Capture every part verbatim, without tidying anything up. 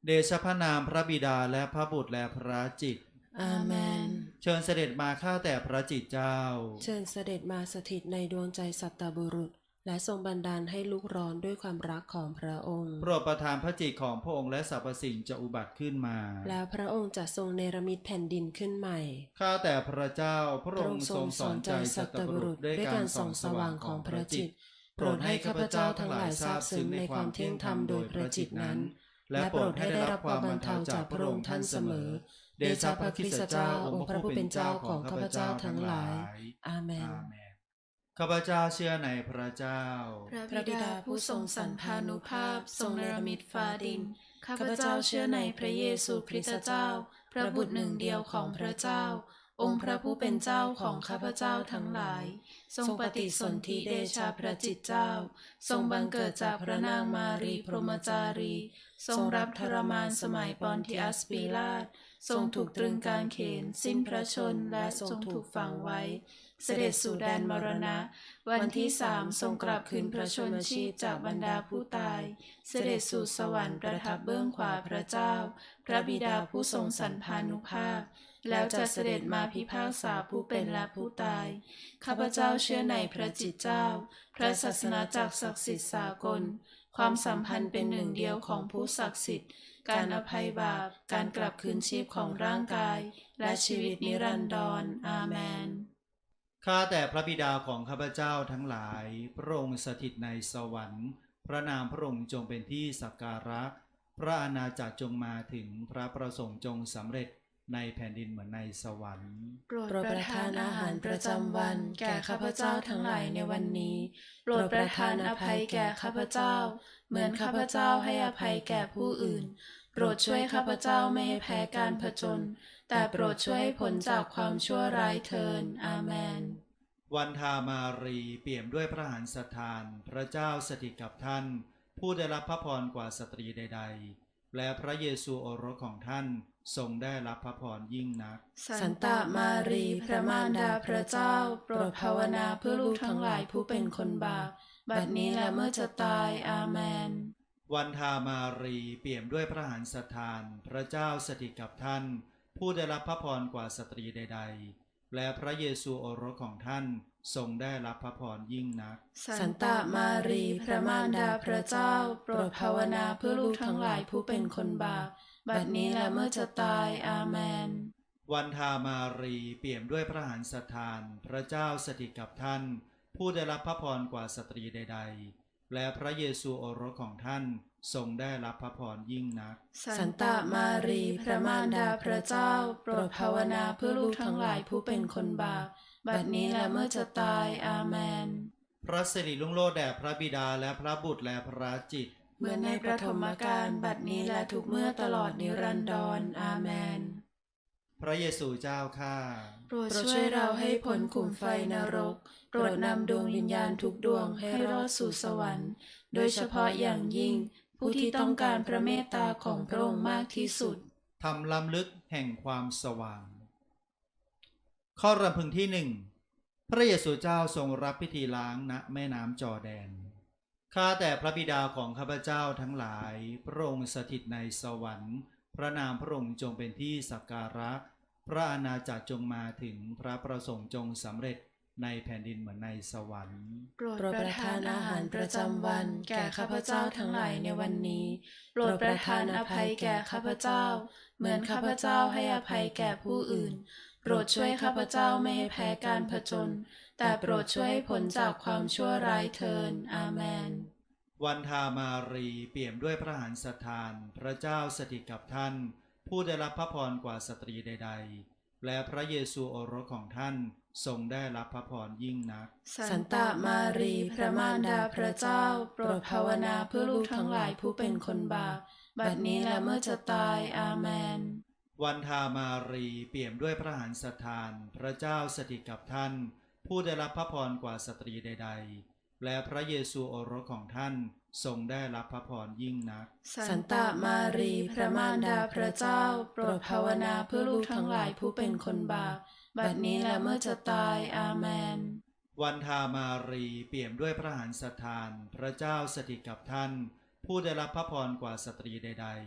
เดชะพระนามพระบิดาและพระบุตรและพระจิตอาเมนเชิญเสด็จมาข้าแต่พระจิตเจ้าเชิญเสด็จมาสถิตในดวงใจสัตบุรุษและทรงบันดาลให้ลุกร้อนด้วยความรักของพระองค์โปรดประทานพระจิตของพระองค์และสรรพสิ่งจะอุบัติขึ้นมาแล้วพระองค์จะทรงเนรมิตแผ่นดินขึ้นใหม่ข้าแต่พระเจ้าพระองค์ทรงสอนใจสัตบุรุษด้วยการส่องสว่างของพระจิตโปรดให้ข้าพเจ้าทั้งหลายทราบซึ้งในความเที่ยงธรรมโดยพระจิตนั้นและโปรดให้ได้รับความบรรเทาจากพระองค์ท่านเสมอเดชะพระคริสต์เจ้าองค์พระผู้เป็นเจ้าของข้าพเจ้าทั้งหลายอาเมนข้าพเจ้าเชื่อในพระเจ้าพระบิดาผู้ทรงสรรพานุภาพทรงเนรมิตฟ้าดินข้าพเจ้าเชื่อในพระเยซูคริสต์เจ้าพระบุตรหนึ่งเดียวของพระเจ้าองค์พระผู้เป็นเจ้าของข้าพเจ้าทั้งหลายทรงปฏิสนธิเดชะพระจิตเจ้าทรงบังเกิดจากพระนางมารีพรหมจารีทรงรับทรมานสมัยปอนติอัสปีลาตทรงถูกตรึงกางเขนสิ้นพระชนและทรงถูกฝังไว้เสด็จสู่แดนมรณะวันที่สามทรงกลับคืนพระชนชีพจากบรรดาผู้ตายเสด็จสู่สวรรค์ประทับเบื้องขวาพระเจ้าพระบิดาผู้ทรงสรรพานุภาพแล้วจะเสด็จมาพิพากษาผู้เป็นและผู้ตายข้าพเจ้าเชื่อในพระจิตเจ้าพระศาสนาจักรศักดิ์สิทธิ์สากลความสัมพันธ์เป็นหนึ่งเดียวของผู้ศักดิ์สิทธิ์การอภัยบาปการกลับคืนชีพของร่างกายและชีวิตนิรันดรอาเมนข้าแต่พระบิดาของข้าพเจ้าทั้งหลายพระองค์สถิตในสวรรค์พระนามพระองค์จงเป็นที่สักการะพระอาณาจักรจงมาถึงพระประสงค์จงสำเร็จในแผ่นดินเหมือนในสวรรค์โปรดประทานอาหารประจำวันแก่ข้าพเจ้าทั้งหลายในวันนี้โปรดประทานอภัยแก่ข้าพเจ้าเหมือนข้าพเจ้าให้อภัยแก่ผู้อื่นโปรดช่วยข้าพเจ้าไม่ให้แพ้การผจญแต่โปรดช่วยให้พ้นจากความชั่วร้ายเถิดอาเมนวันธามารีเปี่ยมด้วยพระหฤทันทานพระเจ้าสถิตกับท่านผู้ได้รับพระพรกว่าสตรีใดๆและพระเยซูโอรสของท่านทรงได้รับพระพรยิ่งนักสันตามารีพระมารดาพระเจ้าโปรดภาวนาเพื่อลูกทั้งหลายผู้เป็นคนบาปบัดนี้และเมื่อจะตายอาเมนวันธามารีเปี่ยมด้วยพระหฤทันทานพระเจ้าสถิตกับท่านผู้ได้รับพระพรกว่าสตรีใดๆและพระเยซูโอรสของท่านทรงได้รับพระพรยิ่งนักสันตามารีพระมารดาพระเจ้าโปรดภาวนาเพื่อลูกทั้งหลายผู้เป็นคนบาปบัดนี้และเมื่อจะตายอาเมนวันธามารีเปี่ยมด้วยพระหฤทันทานพระเจ้าสถิตกับท่านผู้ได้รับพระพรกว่าสตรีใดๆและพระเยซูโอรสของท่านทรงได้รับพระพรยิ่งนักสันตามารีพระมารดาพระเจ้าโปรดภาวนาเพื่อลูกทั้งหลายผู้เป็นคนบาปบัดนี้และเมื่อจะตายอาเมนพระสิริรุ่งโรจน์แด่พระบิดาและพระบุตรและพระจิตเหมือนในประถมกาลบัดนี้และทุกเมื่อตลอดนิรันดรอาเมนพระเยซูเจ้าข้าโปรดช่วยเราให้พ้นขุมไฟนรกโปรดนำดวงวิญญาณทุกดวงให้รอดสู่สวรรค์โดยเฉพาะอย่างยิ่งผู้ที่ต้องการพระเมตตาของพระองค์มากที่สุดทำล้ำลึกแห่งความสว่างข้อรำพึงที่หนึ่งพระเยซูเจ้าทรงรับพิธีล้างณแม่น้ำจอร์แดนข้าแต่พระบิดาของข้าพเจ้าทั้งหลายพระองค์สถิตในสวรรค์พระนามพระองค์จงเป็นที่สักการะพระอาณาจักรจงมาถึงพระประสงค์จงสำเร็จในแผ่นดินเหมือนในสวรรค์โปรดประทานอาหารประจำวันแก่ข้าพเจ้าทั้งหลายในวันนี้โปรดประทานอภัยแก่ข้าพเจ้าเหมือนข้าพเจ้าให้อภัยแก่ผู้อื่นโปรดช่วยข้าพเจ้าไม่ให้แพ้การผจญแต่โปรดช่วยให้พ้นจากความชั่วร้ายเถิดอาเมนวันธามารีเปี่ยมด้วยพระหฤทันทานพระเจ้าสถิตกับท่านผู้ได้รับพระพรกว่าสตรีใดๆและพระเยซูโอรสของท่านทรงได้รับพระพรยิ่งนักสันตามารีพระมารดาพระเจ้าโปรดภาวนาเพื่อลูกทั้งหลายผู้เป็นคนบาปบัดนี้และเมื่อจะตายอาเมนวันธามารีเปี่ยมด้วยพระหฤทันทานพระเจ้าสถิตกับท่านผู้ได้รับพระพรกว่าสตรีใดๆและพระเยซูโอรสของท่านทรงได้รับพระพรยิ่งนักสันตามารีพระมารดาพระเจ้าโปรดภาวนาเพื่อลูกทั้งหลายผู้เป็นคนบาปบัดนี้และเมื่อจะตายอาเมนวันธามารีเปี่ยมด้วยพระหฤทันทานพระเจ้าสถิตกับท่านผู้ได้รับพระพรกว่าสตรีใดๆ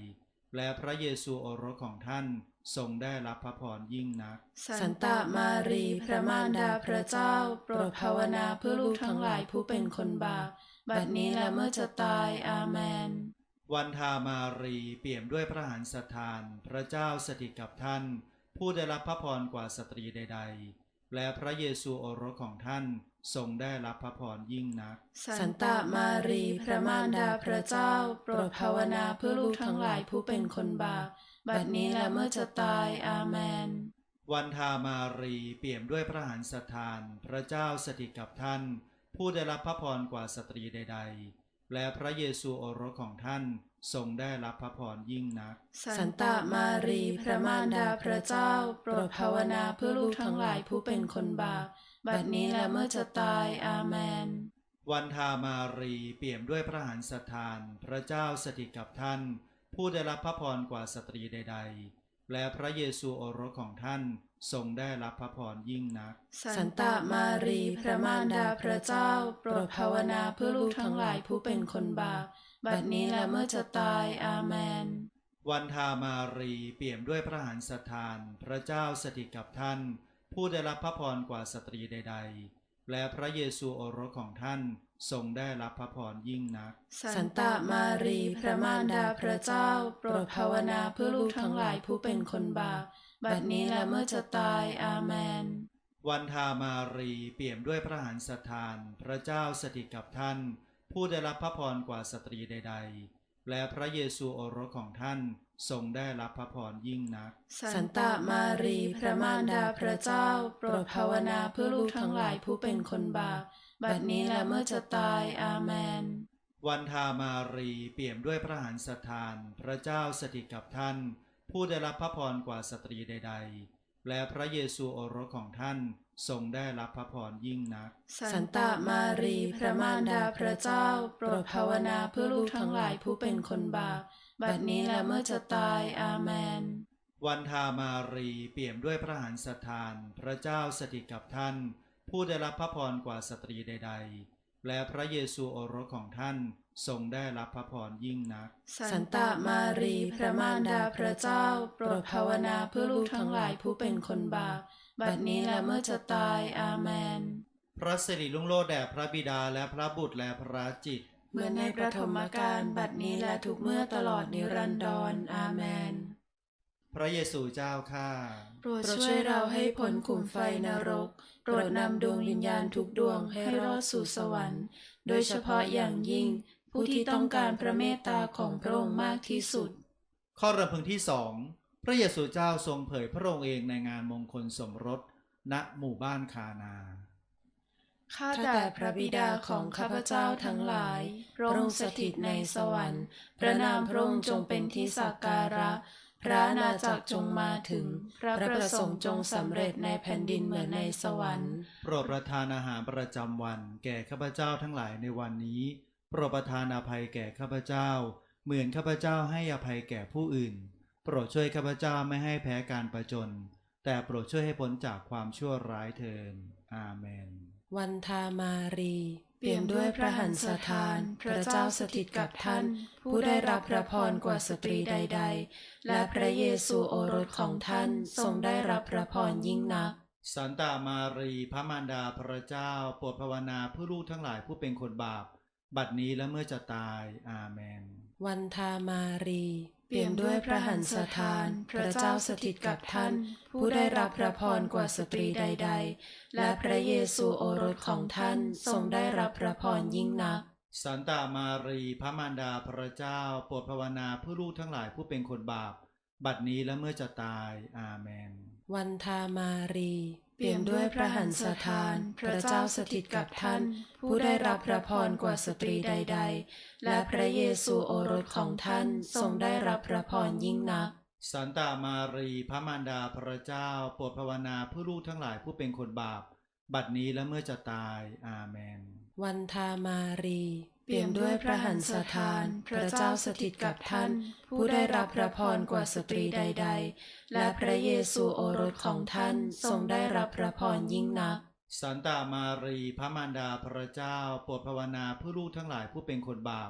และพระเยซูโอรสของท่านทรงได้รับพระพรยิ่งนักสันตามารีพระมารดาพระเจ้าโปรดภาวนาเพื่อลูกทั้งหลายผู้เป็นคนบาปบัดนี้และเมื่อจะตายอาเมนวันธามารีเปี่ยมด้วยพระหฤทันสถานพระเจ้าสถิตกับท่านผู้ได้รับพระพรกว่าสตรีใดๆและพระเยซูโอรสของท่านทรงได้รับพระพรยิ่งนักสันตามารีพระมารดาพระเจ้าโปรดภาวนาเพื่อลูกทั้งหลายผู้เป็นคนบาปบัดนี้และเมื่อจะตายอาเมนวันธามารีเปี่ยมด้วยพระหฤทันสถานพระเจ้าสถิตกับท่านผู้ได้รับพระพรกว่าสตรีใดๆและพระเยซูโอรสของท่านทรงได้รับพระพรยิ่งนักสันตามารีพระมารดาพระเจ้าโปรดภาวนาเพื่อลูกทั้งหลายผู้เป็นคนบาปบัดนี้และเมื่อจะตายอาเมนวันธามารีเปี่ยมด้วยพระหฤทันสถานพระเจ้าสถิตกับท่านผู้ได้รับพระพรกว่าสตรีใดๆและพระเยซูโอรสของท่านทรงได้รับพระพรยิ่งนักสันตามารีพระมารดาพระเจ้าโปรดภาวนาเพื่อลูกทั้งหลายผู้เป็นคนบาปบัดนี้และเมื่อจะตายอาเมนวันธามารีเปี่ยมด้วยพระหฤทันสถานพระเจ้าสถิตกับท่านผู้ได้รับพระพรกว่าสตรีใดๆและพระเยซูโอรสของท่านทรงได้รับพระพรยิ่งนักสันตามารีพระมารดาพระเจ้าโปรดภาวนาเพื่อลูกทั้งหลายผู้เป็นคนบาปบัดนี้และเมื่อจะตายอาเมนวันธามารีเปี่ยมด้วยพระหฤทันสถานพระเจ้าสถิตกับท่านผู้ได้รับพระพรกว่าสตรีใดๆและพระเยซูโอรสของท่านทรงได้รับพระพรยิ่งนักสันตามารีพระมารดาพระเจ้าโปรดภาวนาเพื่อลูกทั้งหลายผู้เป็นคนบาปบัดนี้และเมื่อจะตายอาเมนวันธามารีเปี่ยมด้วยพระหฤทันสถานพระเจ้าสถิตกับท่านผู้ได้รับพระพรกว่าสตรีใดๆและพระเยซูโอรสของท่านทรงได้รับพระพรยิ่งนักสันตามารีพระมารดาพระเจ้าโปรดภาวนาเพื่อลูกทั้งหลายผู้เป็นคนบาปบัดนี้และเมื่อจะตายอาเมนวันธามารีเปี่ยมด้วยพระหฤทันสถานพระเจ้าสถิตกับท่านผู้ได้รับพระพรกว่าสตรีใดๆและพระเยซูโอรสของท่านทรงได้รับพระพรยิ่งนักสันตามารีพระมารดาพระเจ้าโปรดภาวนาเพื่อลูกทั้งหลายผู้เป็นคนบาปบัดนี้และเมื่อจะตายอาเมนพระสิริรุ่งโรจน์แด่พระบิดาและพระบุตรและพระจิตรเหมือนในประถมกาลบัดนี้และทุกเมื่อตลอดนิรันดรอาเมนพระเยซูเจ้าข้าโปรดช่วยเราให้พ้นขุมไฟนรกโปรดนำดวงวิญญาณทุกดวงให้รอดสู่สวรรค์โดยเฉพาะอย่างยิ่งผู้ที่ต้องการพระเมตตาของพระองค์มากที่สุดข้อรำพึงที่สองพระเยซูเจ้าทรงเผยพระองค์เองในงานมงคลสมรสณหมู่บ้านคานาข้าแต่พระบิดาของข้าพเจ้าทั้งหลายพระองค์สถิตในสวรรค์พระนามพระองค์จงเป็นที่สักการะพระอาณาจักรจงมาถึงพระประสงค์จงสำเร็จในแผ่นดินเหมือนในสวรรค์โปรดประทานอาหารประจำวันแก่ข้าพเจ้าทั้งหลายในวันนี้โปรดประทานอภัยแก่ข้าพเจ้าเหมือนข้าพเจ้าให้อภัยแก่ผู้อื่นโปรดช่วยข้าพเจ้าไม่ให้แพ้การประจนแต่โปรดช่วยให้พ้นจากความชั่วร้ายเถิดอาเมนวันธามารีเปี่ยมด้วยพระหฤทันสถานพระเจ้าสถิตกับท่านผู้ได้รับพระพรกว่าสตรีใดๆและพระเยซูโอรสของท่านทรงได้รับพระพรยิ่งนักสันตามารีพระมารดาพระเจ้าโปรดภาวนาเพื่อลูกทั้งหลายผู้เป็นคนบาปบัดนี้และเมื่อจะตายอาเมนวันธามารีเปี่ยมด้วยพระหฤทันสถานพระเจ้าสถิตกับท่านผู้ได้รับพระพรกว่าสตรีใดๆและพระเยซูโอรสของท่านทรงได้รับพระพรยิ่งนักสันตามารีพระมารดาพระเจ้าโปรดภาวนาเพื่อลูกทั้งหลายผู้เป็นคนบาปบัดนี้และเมื่อจะตายอาเมนวันธามารีเปี่ยมด้วยพระหฤทันสถานพระเจ้าสถิตกับท่านผู้ได้รับพระพรกว่าสตรีใดๆและพระเยซูโอรสของท่านทรงได้รับพระพรยิ่งนักสันตามารีพระมารดาพระเจ้าโปรดภาวนาเพื่อลูกทั้งหลายผู้เป็นคนบาปบัดนี้และเมื่อจะตายอาเมนวันธามารีเปี่ยมด้วยพระหฤทันสถานพระเจ้าสถิตกับท่านผู้ได้รับพระพรกว่าสตรีใดๆและพระเยซูโอรสของท่านทรงได้รับพระพรยิ่งนักสันตามารีพระมารดาพระเจ้าโปรดภาวนาเพื่อลูกทั้งหลายผู้เป็นคนบาป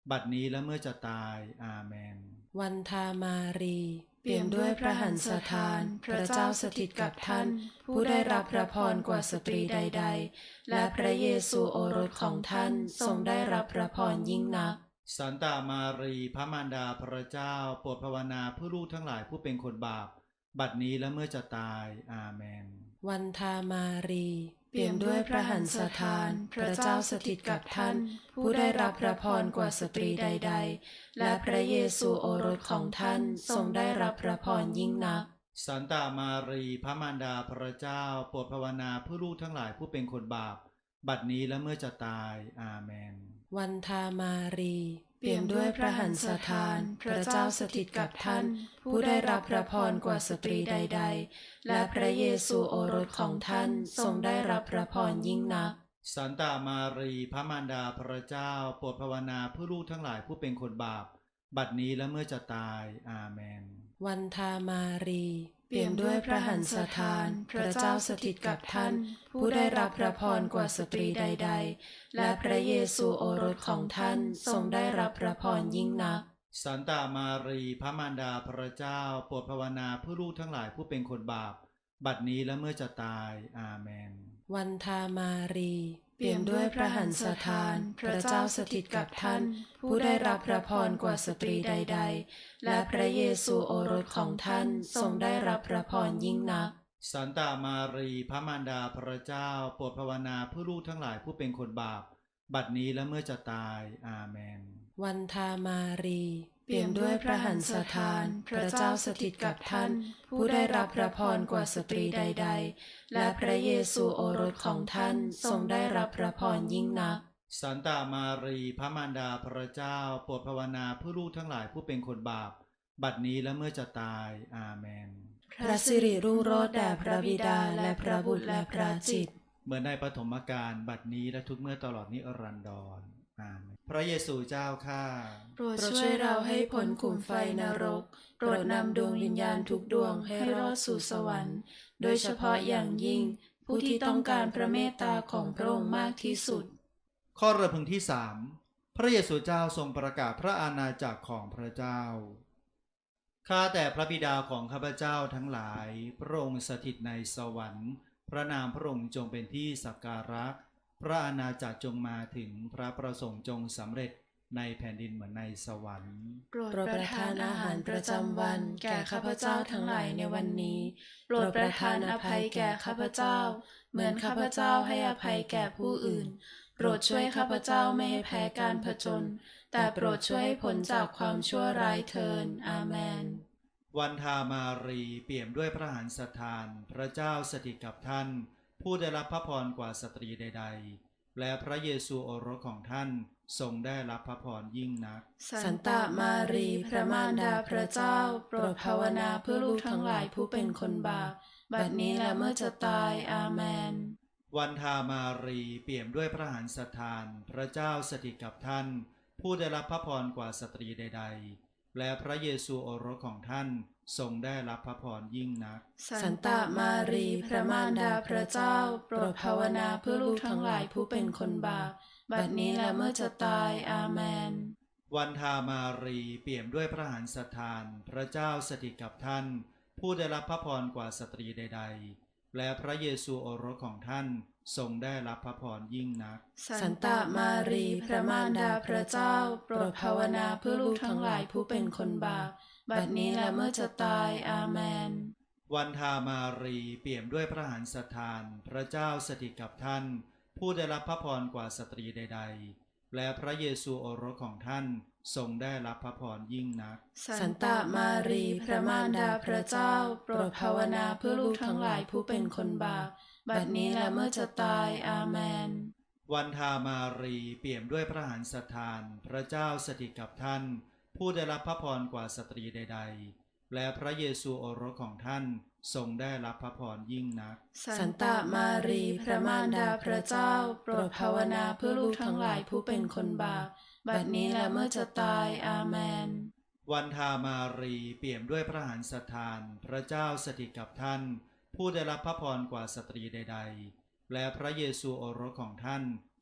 บัดนี้และเมื่อจะตายอาเมนวันทามารีเปี่ยมด้วยพระหันสถานพระเจ้าสถิตกับท่านผู้ได้รับพระพรกว่าสตรีใดๆและพระเยซูโอรสของท่านทรงได้รับพระพรยิ่งนักสันตามารีพระมารดาพระเจ้าโปรดภาวนาเพื่อลูกทั้งหลายผู้เป็นคนบาปบัดนี้และเมื่อจะตายอาเมนวันทามารีเปี่ยมด้วยพระหันสถานพระเจ้าสถิตกับท่านผู้ได้รับพระพรกว่าสตรีใดๆและพระเยซูโอรสของท่านทรงได้รับพระพรยิ่งนักสันตามารีพระมารดาพระเจ้าโปรดภาวนาเพื่อลูกทั้งหลายผู้เป็นคนบาปบัดนี้และเมื่อจะตายอาเมนวันทามารีเปี่ยมด้วยพระหันสถานพระเจ้าสถิตกับท่านผู้ได้รับพระพรกว่าสตรีใดๆและพระเยซูโอรสของท่านทรงได้รับพระพรยิ่งนักสันตามารีพระมารดาพระเจ้าโปรดภาวนาเพื่อลูกทั้งหลายผู้เป็นคนบาปบัดนี้และเมื่อจะตายอาเมนวันทามารีเปี่ยมด้วยพระหันสถานพระเจ้าสถิตกับท่านผู้ได้รับพระพรกว่าสตรีใดๆและพระเยซูโอรสของท่านทรงได้รับพระพรยิ่งนักสันตามารีพระมารดาพระเจ้าโปรดภาวนาเพื่อลูกทั้งหลายผู้เป็นคนบาปบัดนี้และเมื่อจะตายอาเมนวันทามารีเปี่ยมด้วยพระหันสถานพระเจ้าสถิตกับท่านผู้ได้รับพระพรกว่าสตรีใดๆและพระเยซูโอรสของท่านทรงได้รับพระพรยิ่งนักสันตามารีพระมารดาพระเจ้าโปรดภาวนาเพื่อลูกทั้งหลายผู้เป็นคนบาปบัดนี้และเมื่อจะตายอาเมนวันทามารีเปี่ยมด้วยพระหันสถานพระเจ้าสถิตกับท่านผู้ได้รับพระพรกว่าสตรีใดๆและพระเยซูโอรสของท่านทรงได้รับพระพรยิ่งนักสันตามารีพระมารดาพระเจ้าโปรดภาวนาเพื่อลูกทั้งหลายผู้เป็นคนบาปบัดนี้และเมื่อจะตายอาเมนพระสิริรุ่งโรจน์แด่พระบิดาและพระบุตรและพระจิตเหมือนในปฐมกาลบัดนี้และทุกเมื่อตลอดนิรันดรอาเมนพระเยซูเจ้าข้าโปรดช่วยเราให้พ้นขุมไฟนรกโปรดนำดวงวิญญาณทุกดวงให้รอดสู่สวรรค์โดยเฉพาะอย่างยิ่งผู้ที่ต้องการพระเมตตาของพระองค์มากที่สุดข้อรำพึงที่สามพระเยซูเจ้าทรงประกาศพระอาณาจักรของพระเจ้าข้าแต่พระบิดาของข้าพเจ้าทั้งหลายพระองค์สถิตในสวรรค์พระนามพระองค์จงเป็นที่สักการะพระอาณาจักรจงมาถึงพระประสงค์จงสำเร็จในแผ่นดินเหมือนในสวรรค์โปรดประทานอาหารประจำวันแก่ข้าพเจ้าทั้งหลายในวันนี้โปรดประทานอภัยแก่ข้าพเจ้าเหมือนข้าพเจ้าให้อภัยแก่ผู้อื่นโปรดช่วยข้าพเจ้าไม่ให้แพ้การผจญแต่โปรดช่วยให้พ้นจากความชั่วร้ายเถิดอาเมนวันทามารีเปี่ยมด้วยพระหันสถานพระเจ้าสถิตกับท่านผู้ได้รับพระพรกว่าสตรีใดๆและพระเยซูโอรสของท่านทรงได้รับพระพรยิ่งนักสันตามารีพระมารดาพระเจ้าโปรดภาวนาเพื่อลูกทั้งหลายผู้เป็นคนบาปบัดนี้และเมื่อจะตายอาเมนวันทามารีเปี่ยมด้วยพระหันสถานพระเจ้าสถิตกับท่านผู้ได้รับพระพรกว่าสตรีใดๆและพระเยซูโอรสของท่านทรงได้รับพระพรยิ่งนักสันตามารีพระมารดาพระเจ้าโปรดภาวนาเพื่อลูกทั้งหลายผู้เป็นคนบาปบัดนี้และเมื่อจะตายอาเมนวันทามารีเปี่ยมด้วยพระหันสถานพระเจ้าสถิตกับท่านผู้ได้รับพระพรกว่าสตรีใดๆและพระเยซูโอรสของท่านทรงได้รับพระพรยิ่งนักสันตามารีพระมารดาพระเจ้าโปรดภาวนาเพื่อลูกทั้งหลายผู้เป็นคนบาปบัดนี้และเมื่อจะตายอาเมนวันทามารีเปี่ยมด้วยพระหันสถานพระเจ้าสถิตกับท่านผู้ได้รับพระพรกว่าสตรีใดๆและพระเยซูโอรสของท่านทรงได้รับพระพรยิ่งนักสันตามารีพระมารดาพระเจ้าโปรดภาวนาเพื่อลูกทั้งหลายผู้เป็นคนบาปบัดนี้และเมื่อจะตายอาเมนวันทามารีเปี่ยมด้วยพระหันสถานพระเจ้าสถิตกับท่านผู้ได้รับพระพรกว่าสตรีใดๆและพระเยซูโอรสของท่านทรงได้รับพระพรยิ่งนักสันตามารีพระมารดาพระเจ้าโปรดภาวนาเพื่อลูกทั้งหลายผู้เป็นคนบาปบัดนี้และเมื่อจะตายอาเมนวันทามารีเปี่ยมด้วยพระหันสถานพระเจ้าสถิตกับท่านผู้ได้รับพระพรกว่าสตรีใดๆและพระเยซูโอรสของท่าน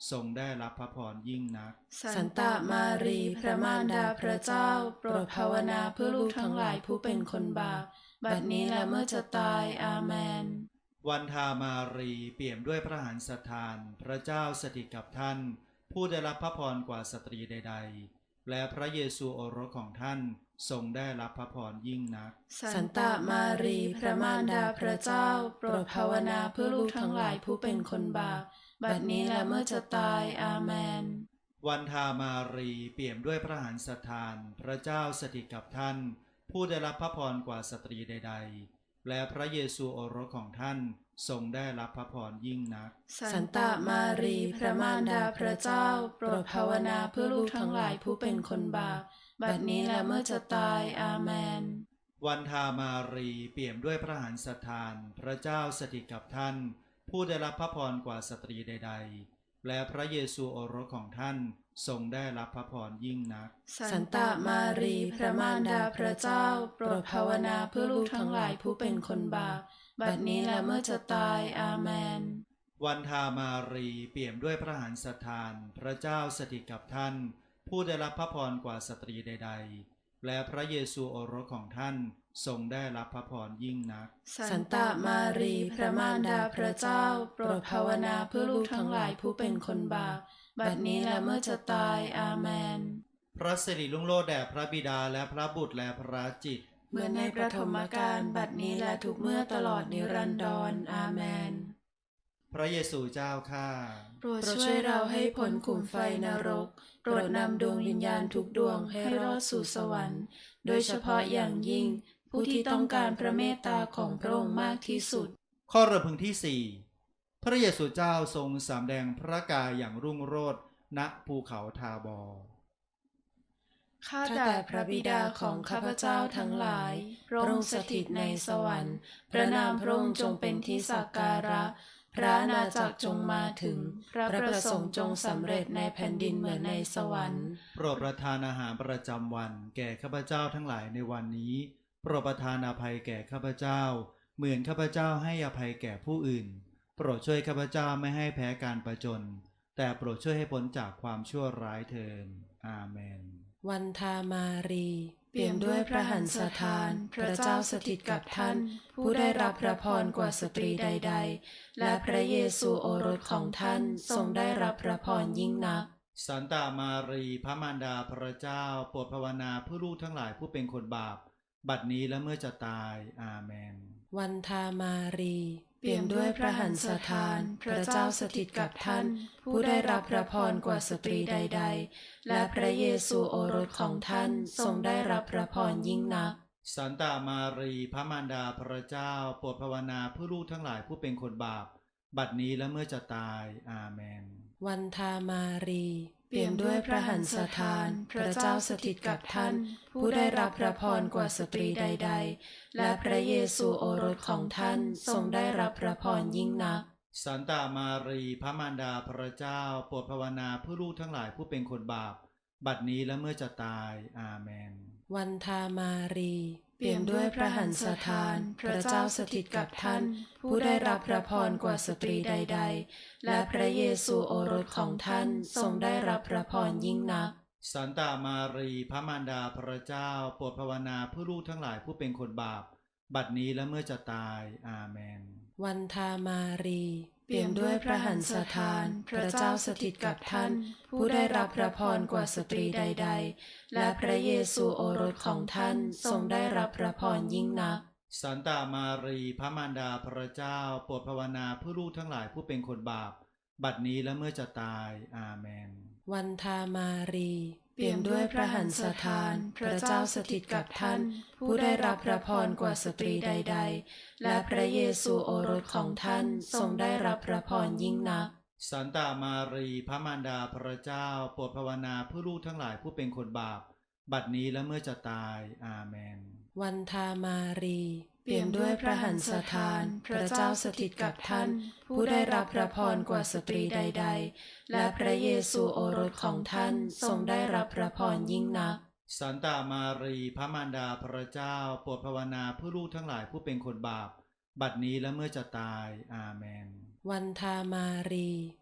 ทรงได้รับพระพรยิ่งนักสันตามารีพระมารดาพระเจ้าโปรดภาวนาเพื่อลูกทั้งหลายผู้เป็นคนบาปบัดนี้และเมื่อจะตายอาเมนวันธามารีเปี่ยมด้วยพระหฤทันสถานพระเจ้าสถิตกับท่านผู้ได้รับพระพรกว่าสตรีใดๆและพระเยซูโอรสของท่านทรงได้รับพระพรยิ่งนักสันตามารีพระมารดาพระเจ้าโปรดภาวนาเพื่อลูกทั้งหลายผู้เป็นคนบาปบัดนี้และเมื่อจะตายอาเมนวันธามารีเปี่ยมด้วยพระหฤทันสถานพระเจ้าสถิตกับท่านผู้ได้รับพระพรกว่าสตรีใดๆและพระเยซูโอรสของท่านทรงได้รับพระพรยิ่งนักสันตามารีพระมารดาพระเจ้าโปรดภาวนาเพื่อลูกทั้งหลายผู้เป็นคนบาปบัดนี้และเมื่อจะตายอาเมนวันธามารีเปี่ยมด้วยพระหฤทันสถานพระเจ้าสถิตกับท่านผู้ได้รับพระพรกว่าสตรีใดๆและพระเยซูโอรสของท่านทรงได้รับพระพรยิ่งนักสันตามารีพระมารดาพระเจ้าโปรดภาวนาเพื่อลูกทั้งหลายผู้เป็นคนบาปบัดนี้และเมื่อจะตายอาเมนวันธามารีเปี่ยมด้วยพระหฤทันสถานพระเจ้าสถิตกับท่านผู้ได้รับพระพรกว่าสตรีใดๆและพระเยซูโอรสของท่านทรงได้รับพระพรยิ่งนักสันตามารีพระมารดาพระเจ้าโปรดภาวนาเพื่อลูกทั้งหลายผู้เป็นคนบาปบัดนี้และเมื่อจะตายอาเมนพระสิริรุ่งโรจน์แด่พระบิดาและพระบุตรและพระจิตรเหมือนในประถมกาลบัดนี้และทุกเมื่อตลอดนิรันดรอาเมนพระเยซูเจ้าข้าโปรดช่วยเราให้พ้นขุมไฟนรกโปรดนำดวงวิญญาณทุกดวงให้รอดสู่สวรรค์โดยเฉพาะอย่างยิ่งผู้ที่ต้องการพระเมตตาของพระองค์มากที่สุดข้อรำพึงที่สี่พระเยซูเจ้าทรงสำแดงพระกายอย่างรุ่งโรจน์ณภูเขาทาบอร์ข้าแต่พระบิดาของข้าพเจ้าทั้งหลายพระองค์สถิตในสวรรค์พระนามพระองค์จงเป็นที่สักการะพระอาณาจักรจงมาถึงพระประสงค์จงสำเร็จในแผ่นดินเหมือนในสวรรค์โปรดประทานอาหารประจำวันแก่ข้าพเจ้าทั้งหลายในวันนี้โปรดประทานอภัยแก่ข้าพเจ้าเหมือนข้าพเจ้าให้อภัยแก่ผู้อื่นโปรดช่วยข้าพเจ้าไม่ให้แพ้การประจนแต่โปรดช่วยให้พ้นจากความชั่วร้ายเถิดอาเมนวันธามารีเปี่ยมด้วยพระหฤทันสถานพระเจ้าสถิตกับท่านผู้ได้รับพระพรกว่าสตรีใดๆและพระเยซูโอรสของท่านทรงได้รับพระพรยิ่งนักสันตามารีพระมารดาพระเจ้าโปรดภาวนาเพื่อลูกทั้งหลายผู้เป็นคนบาปบัดนี้และเมื่อจะตายอาเมนวันธามารีเปี่ยมด้วยพระหฤทันสถานพระเจ้าสถิตกับท่านผู้ได้รับพระพรกว่าสตรีใดๆและพระเยซูโอรสของท่านทรงได้รับพระพรยิ่งนักสันตามารีพระมารดาพระเจ้าโปรดภาวนาเพื่อลูกทั้งหลายผู้เป็นคนบาปบัดนี้และเมื่อจะตายอาเมนวันธามารีเปี่ยมด้วยพระหฤทันสถานพระเจ้าสถิตกับท่านผู้ได้รับพระพรกว่าสตรีใดๆและพระเยซูโอรสของท่านทรงได้รับพระพรยิ่งนักสันตามารีพระมารดาพระเจ้าโปรดภาวนาเพื่อลูกทั้งหลายผู้เป็นคนบาปบัดนี้และเมื่อจะตายอาเมนวันธามารีเปี่ยมด้วยพระหฤทันสถานพระเจ้าสถิตกับท่านผู้ได้รับพระพรกว่าสตรีใดๆและพระเยซูโอรสของท่านทรงได้รับพระพรยิ่งนักสันตามารีพระมารดาพระเจ้าโปรดภาวนาเพื่อลูกทั้งหลายผู้เป็นคนบาปบัดนี้และเมื่อจะตายอาเมนวันธามารีเปี่ยมด้วยพระหฤทันสถานพระเจ้าสถิตกับท่านผู้ได้รับพระพรกว่าสตรีใดๆและพระเยซูโอรสของท่านทรงได้รับพระพรยิ่งนักสันตามารีพระมารดาพระเจ้าโปรดภาวนาเพื่อลูกทั้งหลายผู้เป็นคนบาปบัดนี้และเมื่อจะตายอาเมนวันธามารีเปี่ยมด้วยพระหฤทันสถานพระเจ้าสถิตกับท่านผู้ได้รับพระพรกว่าสตรีใดๆและพระเยซูโอรสของท่านทรงได้รับพระพรยิ่งนักสันตามารีพระมารดาพระเจ้าโปรดภาวนาเพื่อลูกทั้งหลายผู้เป็นคนบาปบัดนี้และเมื่อจะตายอาเมนวันธามารีเปี่ยมด้วยพระหฤทันสถานพระเจ้าสถิตกับท่านผู้ได้รับพระพรกว่าสตรีใดๆและพระเยซูโอรสของท่านทรงได้รับพระพรยิ่งนักสันตามารีพระมารดาพระเจ้าโปรดภาวนาเพื่อลูกทั้งหลายผู้เป็นคนบาปบัดนี้และเมื่อจะตายอาเมนวันธามารี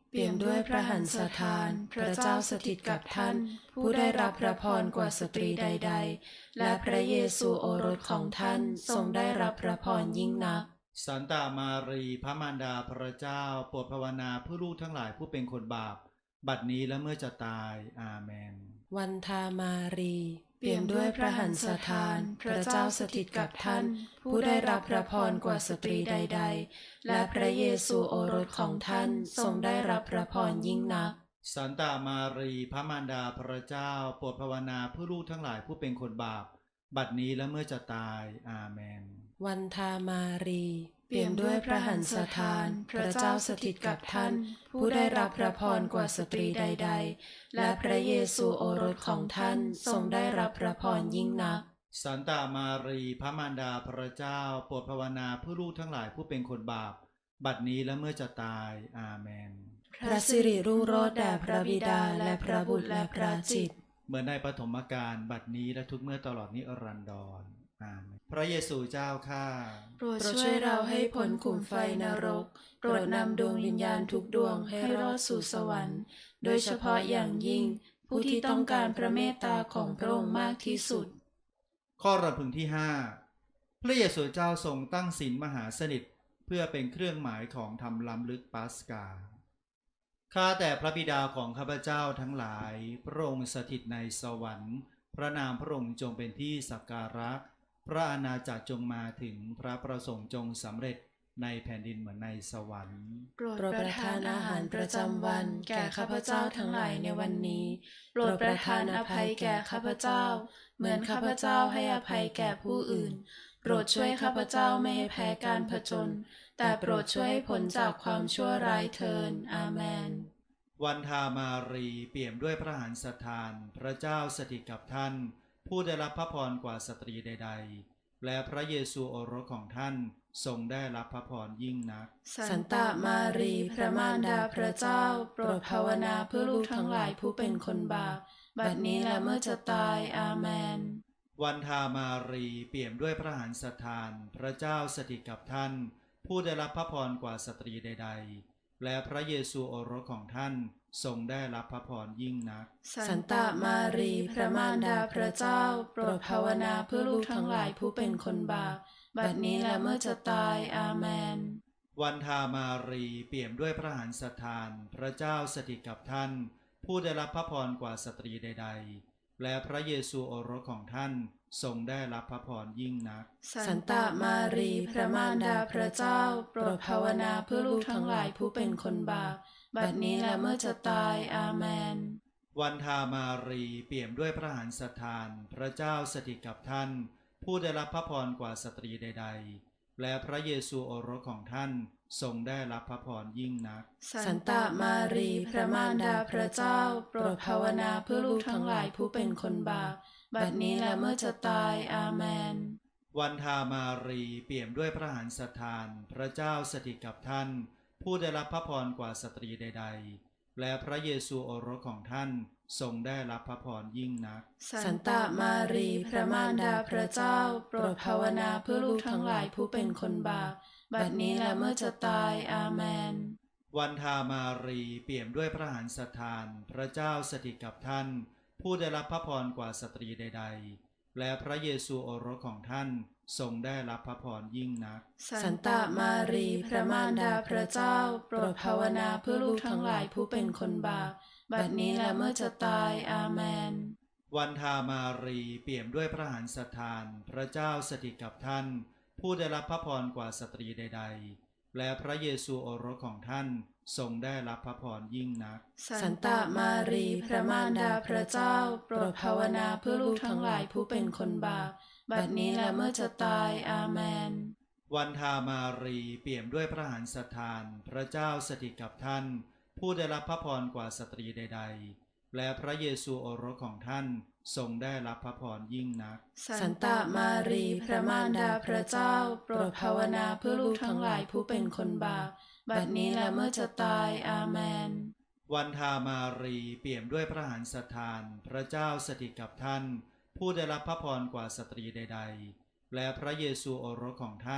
เปี่ยมด้วยพระหันสถานพระเจ้าสถิตกับท่านผู้ได้รับพระพรกว่าสตรีใดๆและพระเยซูโอรสของท่านทรงได้รับพระพรยิ่งนักสันตามารีพระมารดาพระเจ้าโปรดภาวนาเพื่อลูกทั้งหลายผู้เป็นคนบาปบัดนี้และเมื่อจะตายอาเมนวันทามารีเปี่ยมด้วยพระหันสถานพระเจ้าสถิตกับท่านผู้ได้รับพระพรกว่าสตรีใดๆและพระเยซูโอรสของท่านทรงได้รับพระพรยิ่งนักสันตามารีพระมารดาพระเจ้าโปรดภาวนาเพื่อลูกทั้งหลายผู้เป็นคนบาปบัดนี้และเมื่อจะตายอาเมนวันทามารีเปี่ยมด้วยพระหันสถานพระเจ้าสถิตกับท่านผู้ได้รับพระพรกว่าสตรีใดๆและพระเยซูโอรสของท่านทรงได้รับพระพรยิ่งนักสันตามารีพระมารดาพระเจ้าโปรดภาวนาเพื่อลูกทั้งหลายผู้เป็นคนบาปบัดนี้และเมื่อจะตายอาเมนพระสิริรุ่งโรจน์แด่พระบิดาและพระบุตรและพระจิตเหมือนในปฐมกาลบัดนี้และทุกเมื่อตลอดนิรันดรอาเมนพระเยซูเจ้าข้าโปรดช่วยเราให้พ้นขุมไฟนรกโปรดนำดวงวิญญาณทุกดวงให้รอดสู่สวรรค์โดยเฉพาะอย่างยิ่งผู้ที่ต้องการพระเมตตาของพระองค์มากที่สุดข้อรำพึงที่ห้าพระเยซูเจ้าทรงตั้งศีลมหาสนิทเพื่อเป็นเครื่องหมายของธรรมล้ำลึกปัสกาข้าแต่พระบิดาของข้าพเจ้าทั้งหลายพระองค์สถิตในสวรรค์พระนามพระองค์จงเป็นที่สักการะพระอาณาจักรจงมาถึงพระประสงค์จงสำเร็จในแผ่นดินเหมือนในสวรรค์โปรดประทานอาหารประจำวันแก่ข้าพเจ้าทั้งหลายในวันนี้โปรดประทานอภัยแก่ข้าพเจ้าเหมือนข้าพเจ้าให้อภัยแก่ผู้อื่นโปรดช่วยข้าพเจ้าไม่ให้แพ้การผจญแต่โปรดช่วยให้พ้นจากความชั่วร้ายเถิดอาเมนวันทามารีเปี่ยมด้วยพระหันสถานพระเจ้าสถิตกับท่านผู้ได้รับพระพรกว่าสตรีใดๆและพระเยซูโอรสของท่านทรงได้รับพระพรยิ่งนักสันตามารีพระมารดาพระเจ้าโปรดภาวนาเพื่อลูกทั้งหลายผู้เป็นคนบาปบัดนี้และเมื่อจะตายอาเมนวันทามารีเปี่ยมด้วยพระหันสถานพระเจ้าสถิตกับท่านผู้ได้รับพระพรกว่าสตรีใดๆและพระเยซูโอรสของท่านทรงได้รับพระพรยิ่งนักสันตามารีพระมารดาพระเจ้าโปรดภาวนาเพื่อลูกทั้งหลายผู้เป็นคนบาปบัดนี้และเมื่อจะตายอาเมนวันทามารีเปี่ยมด้วยพระหันสถานพระเจ้าสถิตกับท่านผู้ได้รับพระพรกว่าสตรีใดๆและพระเยซูโอรสของท่านทรงได้รับพระพรยิ่งนักสันตามารีพระมารดาพระเจ้าโปรดภาวนาเพื่อลูกทั้งหลายผู้เป็นคนบาปบัดนี้และเมื่อจะตายอาเมนวันทามารีเปี่ยมด้วยพระหันสถานพระเจ้าสถิตกับท่านผู้ได้รับพระพรกว่าสตรีใดๆและพระเยซูโอรสของท่านทรงได้รับพระพรยิ่งนักสันตามารีพระมารดาพระเจ้าโปรดภาวนาเพื่อลูกทั้งหลายผู้เป็นคนบาปบัดนี้และเมื่อจะตายอาเมนวันทามารีเปี่ยมด้วยพระหันสถานพระเจ้าสถิตกับท่านผู้ได้รับพระพรกว่าสตรีใดๆและพระเยซูโอรสของท่านทรงได้รับพระพรยิ่งนักสันตามารีพระมารดาพระเจ้าโปรดภาวนาเพื่อลูกทั้งหลายผู้เป็นคนบาปบัดนี้และเมื่อจะตายอาเมนวันทามารีเปี่ยมด้วยพระหันสถานพระเจ้าสถิตกับท่านผู้ได้รับพระพรกว่าสตรีใดๆและพระเยซูโอรสของท่านทรงได้รับพระพรยิ่งนักสันตามารีพระมารดาพระเจ้าโปรดภาวนาเพื่อลูกทั้งหลายผู้เป็นคนบาปบัดนี้และเมื่อจะตายอาเมนวันทามารีเปี่ยมด้วยพระหันสถานพระเจ้าสถิตกับท่านผู้ได้รับพระพรกว่าสตรีใดๆและพระเยซูโอรสของท่านทรงได้รับพระพรยิ่งนักสันตามารีพระมารดาพระเจ้าโปรดภาวนาเพื่อลูกทั้งหลายผู้เป็นคนบาปบัดนี้และเมื่อจะตายอาเมนวันทามารีเปี่ยมด้วยพระหันสถานพระเจ้าสถิตกับท่านผู้ได้รับพระพรกว่าสตรีใดๆและพระเยซูโอรสของท่านทรงได้รับพระพรยิ่งนักสันตามารีพระมารดาพระเจ้าโปรดภาวนาเพื่อลูกทั้งหลายผู้เป็นคนบาปบัดนี้และเมื่อจะตายอาเมนวันทามารีเปี่ยมด้วยพระหันสถานพระเจ้าสถิตกับท่านผู้ได้รับพระพรกว่าสตรีใดๆและพระเยซูโอรสของท่าน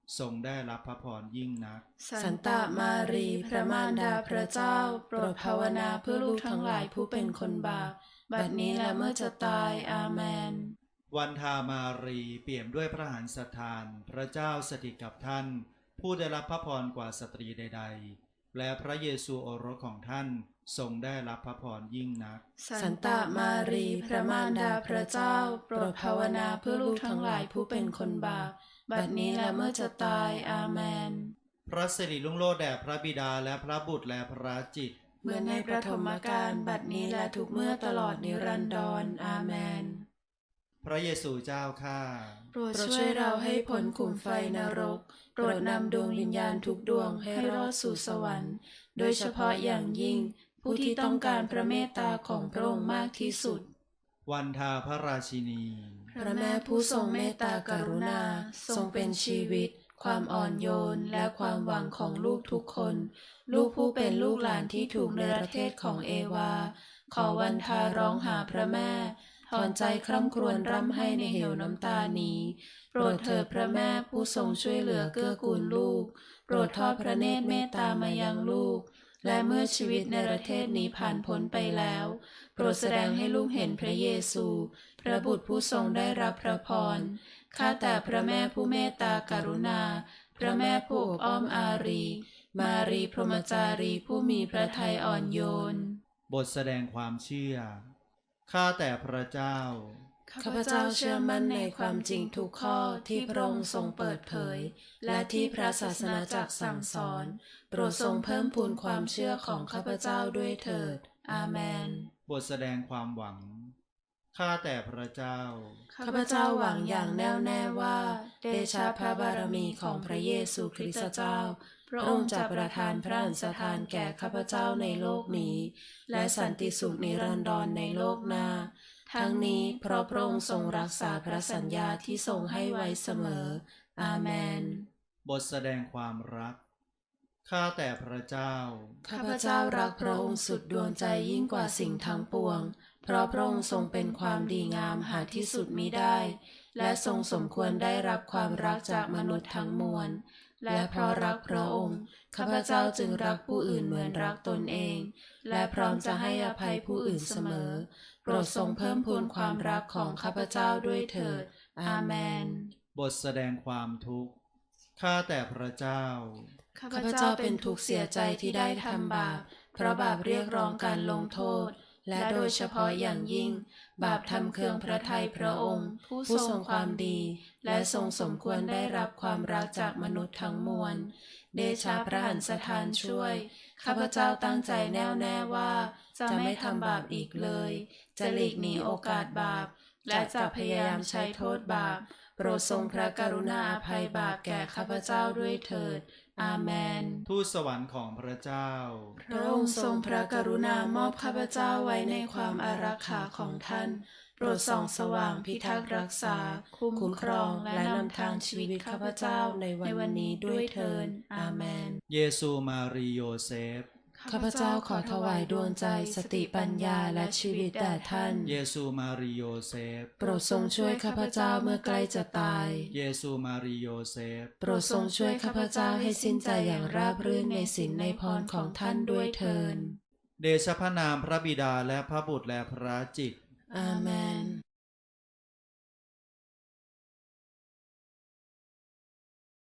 ทรงได้รับพระพรยิ่งนักสันตามารีพระมารดาพระเจ้าโปรดภาวนาเพื่อลูกทั้งหลายผู้เป็นคนบาปบัดนี้และเมื่อจะตายอาเมนวันธามารีเปี่ยมด้วยพระหฤทันทานพระเจ้าสถิตกับท่านผู้ได้รับพระพรกว่าสตรีใดๆและพระเยซูโอรสของท่านทรงได้รับพระพรยิ่งนักสันตามารีพระมารดาพระเจ้าโปรดภาวนาเพื่อลูกทั้งหลายผู้เป็นคนบาปบัดนี้และเมื่อจะตายอาเมนพระสิริรุ่งโรจน์แด่พระบิดาและพระบุตรและพระจิตรเหมือนในประถมกาลบัดนี้และทุกเมื่อตลอดนิรันดรอาเมนพระเยซูเจ้าข้าโปรดช่วยเราให้พ้นขุมไฟนรกโปรดนำดวงวิญญาณทุกดวงให้รอดสู่สวรรค์โดยเฉพาะอย่างยิ่งผู้ที่ต้องการพระเมตตาของพระองค์มากที่สุดวันธาพระราชินีพระแม่ผู้ทรงเมตตากรุณาทรงเป็นชีวิตความอ่อนโยนและความหวังของลูกทุกคนลูกผู้เป็นลูกหลานที่ถูกเนรเทศของเอวาขอวันธาร้องหาพระแม่ถอนใจคร่ำครวญร่ำไห้ในเหวน้ำตานี้โปรดเถิดพระแม่ผู้ทรงช่วยเหลือเกื้อกูลลูกโปรดทอดพระเนตรเมตตามายังลูกและเมื่อชีวิตในประเทศนี้ผ่านพ้นไปแล้วโปรดแสดงให้ลูกเห็นพระเยซูพระบุตรผู้ทรงได้รับพระพรข้าแต่พระแม่ผู้เมตตากรุณาพระแม่ผู้อบอ้อมอารีมารีพรหมจารีผู้มีพระทัยอ่อนโยนบทแสดงความเชื่อข้าแต่พระเจ้าข้าพเจ้าเชื่อมั่นในความจริงทุกข้อที่พระองค์ทรงเปิดเผยและที่พระศาสนาจักรสั่งสอนโปรดทรงเพิ่มพูนความเชื่อของข้าพเจ้าด้วยเถิดอาเมนบทแสดงความหวังข้าแต่พระเจ้าข้าพเจ้าหวังอย่างแน่วแน่ว่าเดชะพระบารมีของพระเยซูคริสต์เจ้าพระองค์จะประทานพระอัญชทานแก่ข้าพเจ้าในโลกนี้และสันติสุขนิรันดรในโลกหน้าทั้งนี้เพราะพระองค์ทรงรักษาพระสัญญาที่ทรงให้ไว้เสมออาเมนบทแสดงความรักข้าแต่พระเจ้าข้าพเจ้ารักพระองค์สุดดวงใจยิ่งกว่าสิ่งทั้งปวงเพราะพระองค์ทรงเป็นความดีงามหาที่สุดมิได้และทรงสมควรได้รับความรักจากมนุษย์ทั้งมวลและเพราะรักพระองค์ข้าพเจ้าจึงรักผู้อื่นเหมือนรักตนเองและพร้อมจะให้อภัยผู้อื่นเสมอโปรดทรงเพิ่มพูนความรักของข้าพเจ้าด้วยเถิดอาเมนบทแสดงความทุกข์ข้าแต่พระเจ้าข้าพเจ้าเป็นทุกข์เสียใจที่ได้ทำบาปเพราะบาปเรียกร้องการลงโทษและโดยเฉพาะอย่างยิ่งบาปทำเคืองพระทัยพระองค์ผู้ทรงความดีและทรงสมควรได้รับความรักจากมนุษย์ทั้งมวลเดชะพระหันสถานช่วยข้าพเจ้าตั้งใจแน่วแน่ว่าจะไม่ทำบาปอีกเลยจะหลีกหนีโอกาสบาปและจะพยายามใช้โทษบาปโปรดทรงพระกรุณาอภัยบาปแก่ข้าพเจ้าด้วยเถิดอาเมนทูตสวรรค์ของพระเจ้าพระองค์ทรงพระกรุณามอบข้าพเจ้าไว้ในความอารักขาของท่านโปรดส่องสว่างพิทักษ์รักษาคุ้มครองและนำทางชีวิตข้าพเจ้าในวันนี้ด้วยเถิดอาเมนเยซูมารีโยเซฟข้าพเจ้าขอถวายดวงใจสติปัญญาและชีวิตแด่ท่านเยซูมารีโยเซฟโปรดทรงช่วยข้าพเจ้าเมื่อใกล้จะตายเยซูมารีโยเซฟโปรดทรงช่วยข้าพเจ้าให้สิ้นใจอย่างราบรื่นในศีลในพรของท่านด้วยเถิดเดชะพระนามพระบิดาและพระบุตรและพระจิตรอาเมน